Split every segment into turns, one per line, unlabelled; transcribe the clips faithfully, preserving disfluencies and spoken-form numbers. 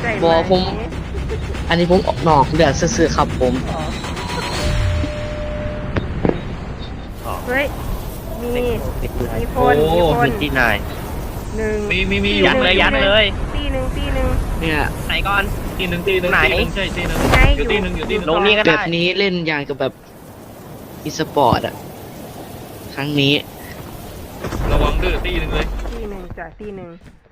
ได้ไห
บอผม อันนี้ผมออกนอกเลือดซื่อๆครับผม
เฮ้ยมีมีค
โอ้
นมีคน
มีที่ไหน
หนึ่ง
มีมีมี
ยัดเลยยัดเลย
ตีหนึ่งตีหนึ่ง
เนี่ย
ไหนก่อน
ตีหนึ่งตีหนึ่ง
ไหน
ตีหนึ่งใช่ตีหนึ่ง
ไง
อยู่ตีหนึ่งอยู่ตีหนึ่ง
ลงนี่ก็
แบ
ได้
บนี้เล่นอย่างกับแบบอีสปอร์ตอะครั้งนี้
ระวังดื้อตีหนึ่งเลย
ตีหนึ่งจ้ะตีหนึ่ง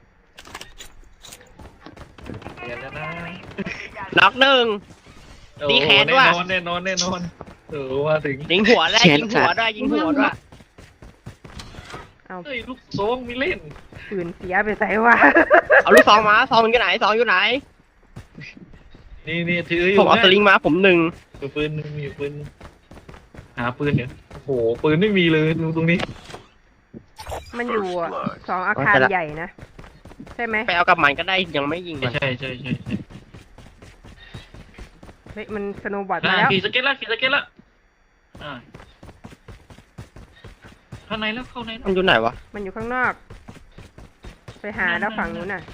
เดี๋ยวนะ
น็อกหนึ่ง ตีแขนด้วย
แน่นอนแน่นอนแน่นอนเออว่าถึง
ยิงหัวได้
แขน
ยิงหัว
ขาด
ด้วยยิงหัวด้วย
เอา
เฮ้ยลูกซองมีเล่น
ปืนเสียไปใส่วะ
เอาลูกซองมาซองอยู่ไหนซองอยู่ไหน
นี่นี่ถืออยู่
ผมเอาสลิงมาผมหนึ่ง
มีปืนหนึ่งมีปืนหาปืนเนี่ยโอ้โหปืนไม่มีเลยดูตรงนี้
มันอยู่อะสองอาคารใหญ่นะใช่ไหม
ไปเอากับมันก็ได้ยังไม่ยิงมัน
ใช่ใช่ใช่ใช่
เฮ้ยมันสโนว์บอร์ด
อ่า
มาแล้ว
ขี่สเก็ตละขี่สเก็ตละอ่าข้างในแล้วเข้าในแล้ว
มันอยู่ไหนวะ
มันอยู่ข้างนอก ไปหาแล้วฝั่งนู้นน่ะ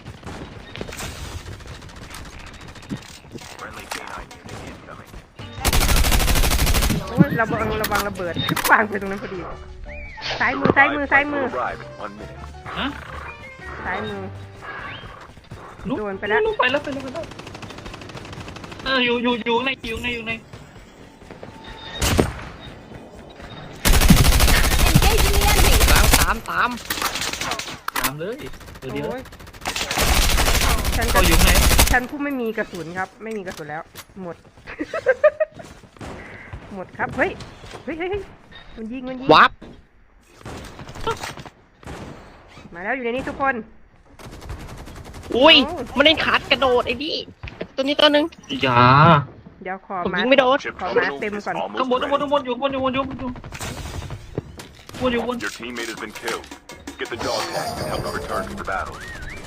โอ้ยระวังระวังระเบิดวางไปตรงนั้นพอดีซ้ายมือซ้ายมือซ้ายมือ
ฮะ
ซ้ายมือ
ลุก
โดนไปแล้ว
ลุกไปแล้วไปแล้วไปแล้วเอออยู่อยู่อยู่ในอยู่ในอยู่ใน
ล้างตามตาม
ตามเลยเดี๋ยวเดียว
โอ้ยฉัน
ก็
ก็
อยู่ไหน
ฉันผู้ไม่มีกระสุนครับ ไม่มีกระสุนแล้ว หมด หมดครับเฮ้ยเฮ้ยเฮ้ยเฮ้ยมันยิงมันยิง
วับ
มาแล้วอยู่ในนี้ทุกคน
อุ้ย
โอ้
มันเล่นขาดกระโดดไอ้นี่ตัวนี้ตัวหนึง
อย่า
เดี๋ยวขอ
ผม
มา
ยิงไม่โดน
ขอมาเต็มก่อน
ข้างบนข้างบนข้างบนอยู่ข้างบนอยู่ข้างบนอยู่ข้างบนอยู่ข้างบนอยู่ข้างบน
Your teammate has been killed. Get the dog tag and help them return to the battle.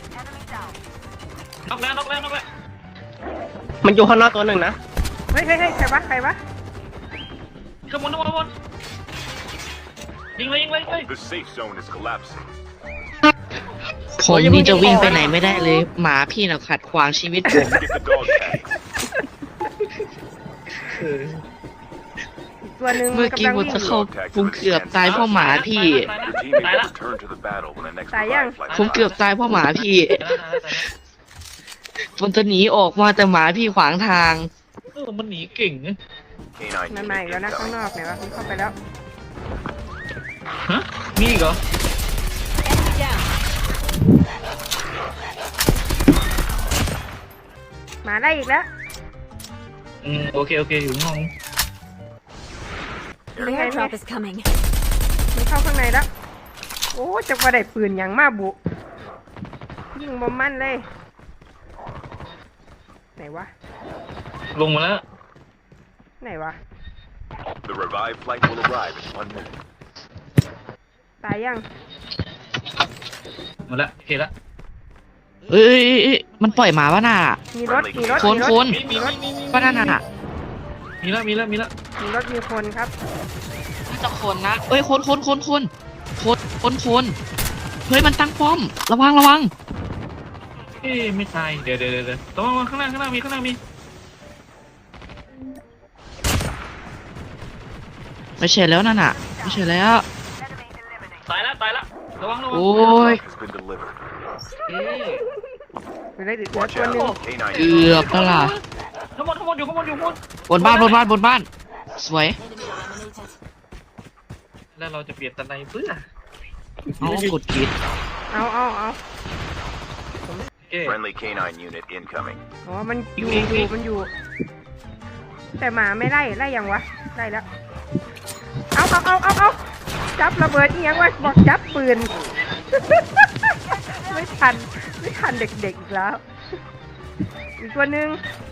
น็อกแล้วน็อกแล้วน็อกแล้ว
มันอยู่ข้างนอกตัวหนึ่งนะ
เฮ้ยเฮ้ยเฮ้ยใครวะใครวะ
ข้างบนข้างบนข้างบนยิงเลยยิงเลยยิงเลย
The safe zone is collapsing.
ผมนี่จะวิ่งไปไหนไม่ได้เลย หมาพี่น่ะขัดขวางชีวิตผม
Get the dog tag.
เออ
อีกตัวหนึ่ง
เมื่อกี้
กำลัง
ผม
วิ่ง
จะ
อยู่
เข้าผมเกือบตายเพราะหมาพี่
Your teammate will return to the battle when the next revive flight
ผมเกือบ
arrives.
ตายเพราะหมาพี่
ตายแล้วตายแล้วตายแล้ว
ผมจะหนีออกมาแต่หมาพี่ขวางทาง
เออมันหนีเก่งนะ
K nine
มันมาอีกแล้วนะข้างนอกไหนวะมันเข้าไปแล้ว
ฮะมีอีกเหรอ
มาได้อีกแล้ว
อืมโอเคโอเคอยู่ข้างนอก
ยังไง
Airdrop is coming.
มันเข้าข้างในแล้ว โอ้จะมาได้ปืนอย่างมาบุยิงบอมมันเลย ไหนวะ
ลงมาแล้ว
ไหนวะ
The revive flight will arrive in one minute.
ตายยัง
มาแล้วโอเคแล้ว
เอ้ยเอ้ยเอ้ยมันปล่อยหมาวะน่ะ
มีรถ มีรถ
คน
มีรถ
คน
มีมีมีมีมี
ก็นั่นน่ะ
มีแล้วมีแล้วมีแล้ว
มีรถมีคนครับ
น่าจะคนนะเอ้ยคนคนคนคนคนคนคนเฮ้ยมันตั้งป้อม ระวังระวัง
เอ๊ะไม่ตายเดี๋ยวเดี๋ยวเดี๋ยวเดี๋ยวระวังระวังข้างล่างข้างล่างมีข้างล่างมี
ไม่ใช่แล้วนั่นน่ะ ไม่ใช่แล้ว
ตายแล้วตายแล้วระวังระวัง
โอ้ย
Has been delivered.
เอ๊ะ
เหลือเหลือ
Watch
ตัวหนึ่ง
out. K nine
เกือบแล้วล่ะ
ข้างบนข้างบนอยู่ข้างบนอยู่ข้างบน
บนบ้านบนบ้านบนบ้าน สวย
แล้วเราจะเปลี่ยนตะไนเพื่อ
เอากดผิด
เอาเอาเอา
เอ๊ะ
Friendly K nine unit incoming.
อ๋อ มันอยู่
อีก
อ
อี
ยู่
ก
มันอยู่ แต่หมาไม่ไล่ ไล่ยังวะ ไล่แล้ว เอาเอาเอาเอาเอาจับระเบิดอีหยังวะ บอกจับปืน ไม่ทัน ไม่ทันเด็กๆอีกแล้ว อีกตัวหนึ่ง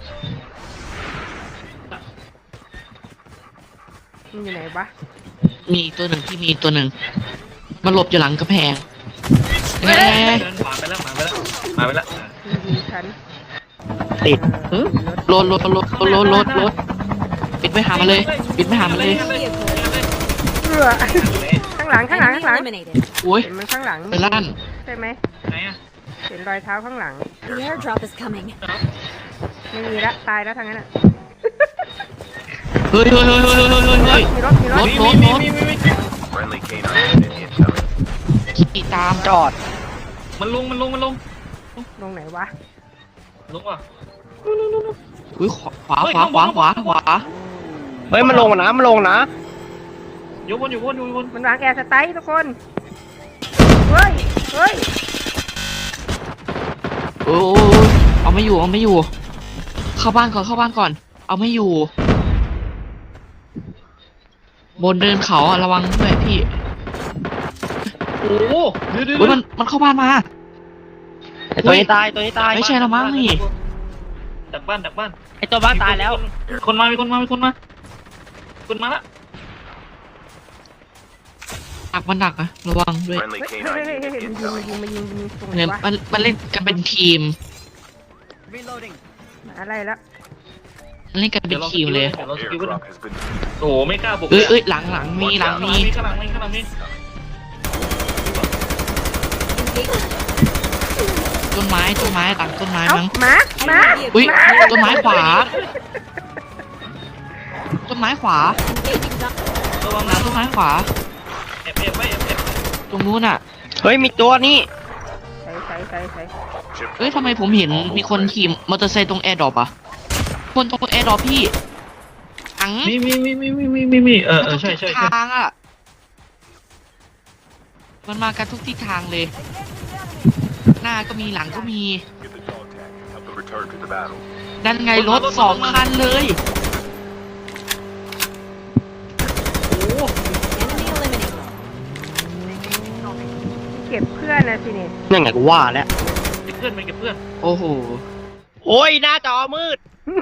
มันอยู่ไหนวะ
มีอีกตัวหนึ่งที่มีอีกตัวหนึ่ง มันหลบอยู่หลังกระแพง
เฮ้ย
เอ้ย
เดินขวาไปแล้วมาไปแล้วมาไปแล้ว
มันยิงฉัน
ติด
เอ้ยรถรถรถรถรถรถรถปิดไม่หามาเลย ปิดไม่หามาเลย
เรือข้างหลังข้างหลัง
Enemy
ข้างหลัง
eliminated.
โอ้ย
เห็นมันข้างหลัง
ไปลั่น
ใช่ไหม
ไหนอะ
เห็นรอยเท้าข้างหลัง
The airdrop is coming.
ไม่มีละตายแล้วทางนั้นอ่ะ
เฮ้ยเฮ้ยเฮ้ยเฮ้ยเฮ้ยเฮ้ยเฮ้ย
มีรถมีรถ
รถ
มีมีมีมีมี
Friendly canine unit incoming.
ขี่ตาม
จอด
มันลงมันลงมันลง
ลงไหนวะ
ลงว่ะ
อุ้ยขวาขวาขวาขวาขวาขวา
เฮ้ยมันลงนะมันลงนะ
อยู่บนอยู่บนอยู่บน
มันวางแอร์สไตล์ทุกคนเฮ้ยเฮ้ย
โอ้ยเอาไม่อยู่เอาไม่อยู่ เข้าบ้านก่อนเข้าบ้านก่อน เอาไม่อยู่ บนเดินเขาอะระวังด้วยพี่
โอ้โหเดี๋ยวเดี๋ยว
อุ้ยมันมันเข้าบ้านมา
ไอตัวนี้ตายตัวนี้ตาย
ไม่ใช่ละมั้งนี่
ดักบ้านดักบ้าน
ไอตัวบ้านตายแล้ว
มีคนมามีคนมามีคนมาคนมาละ
ดักมันดักนะระวังด้วย
Friendly
เฮ้ยเฮ้ย
canine
เฮ้ย
unit
เฮ้ยมันยิง
incoming.
มันยิงมันยิงมันยิงตรงไหน
เนี่ยว
ะ
มันมันเล่นกันเป็นทีม
มาอะไรละ
มันเล่นกันเป็นทีมเลย
ดี๋วราสกิลไว้หน่อย
Airdrop has been
โอ้โหไม่กล้าบุก
เอ้ยเอ้ยหลังหลังมีหลังมี
ข้างหลังมีข้างหลังมี
ต้นไม้ต้นไม้หลังต้นไม้
เอ้า
มั้ง
หมาหมา
อุ้ย
หมา
ต้นไม้ขวา ต้นไม้ขวา
Engaging duck.
ระวัง
หลั
นะ
งต้นไม้ขวา
แอบแอบไว้แอบแอบ
ตรงนู้นอ่ะ
เฮ้ยมีตัวนี่
ใส่ใส่ใส่ใส่
chip.
เอ้ยทำไมผมเห็นมีคนขี่มอเตอร์ไซค์ตรงแอร์ดรอปอ่ะ คนตรงแอร์ดรอปพี่ถัง
มีมีมีมีมีมีมีมีเออเออใช่ใช่
ทุก
ใช่
ทางอ่ะ มันมากันทุกทิศทางเลย หน้าก็มีหลังก็มี
Get the dog tag. Help them return to the battle.
นั่นไงรถสองคันเลย
โอ้โห
Enemy eliminated.
เก็บเพื่อนนะสิเนี่ย
นั่นไงกูว่าแล้ว
เก็บเพื่อนไปเก็บเพื่อน
โอ้โห
โอ้ยหน้าจอมืด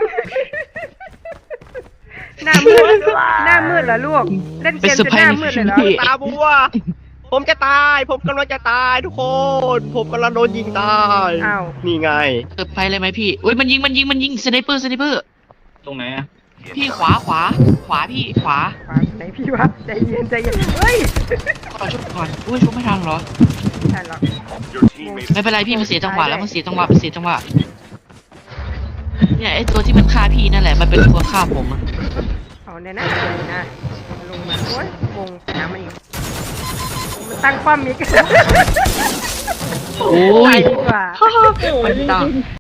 หน้ามืดหน้ามืดเหรอลูกเล่นเกมจนหน้ามืดเลยเหรอ
เป็นเซอร์ไพรส์ในชีวิต
ตาบัว ผมจะตาย ผมกำลังจะตายทุกคน ผมกำลังโดนยิงตาย
อ้าว
นี่ไง
เกิดไปเลยไหมพี่อุ้ยมันยิงมันยิงมันยิงสไนเปอร์สไนเปอร์
ตรงไหนอะ
พี่ขวาขวา ขวาพี่ขวา
ขวาไหนพี่วะใจเย็นใจเย็นเฮ้ย
ขอชุบก่อนอุ้ยชุบไม่ทันเหรอ
ไม่ทันหรอก
Your teammates
ไม่เป็นไรพี่มันเสียจังหวะแล้วมันเสียจังหวะมันเสียจังหวะเนี่ยไอตัวที่มันฆ่าพี่นั่นแหละมันเป็นตัวฆ่าผมอะ
เอาเนี่ยนะเลยนะลงมาโอ้ยวงไปหามันอีกมันตั้งป้อมอีก
โอ้
ไป
ย
ดีกว่า
มันดัง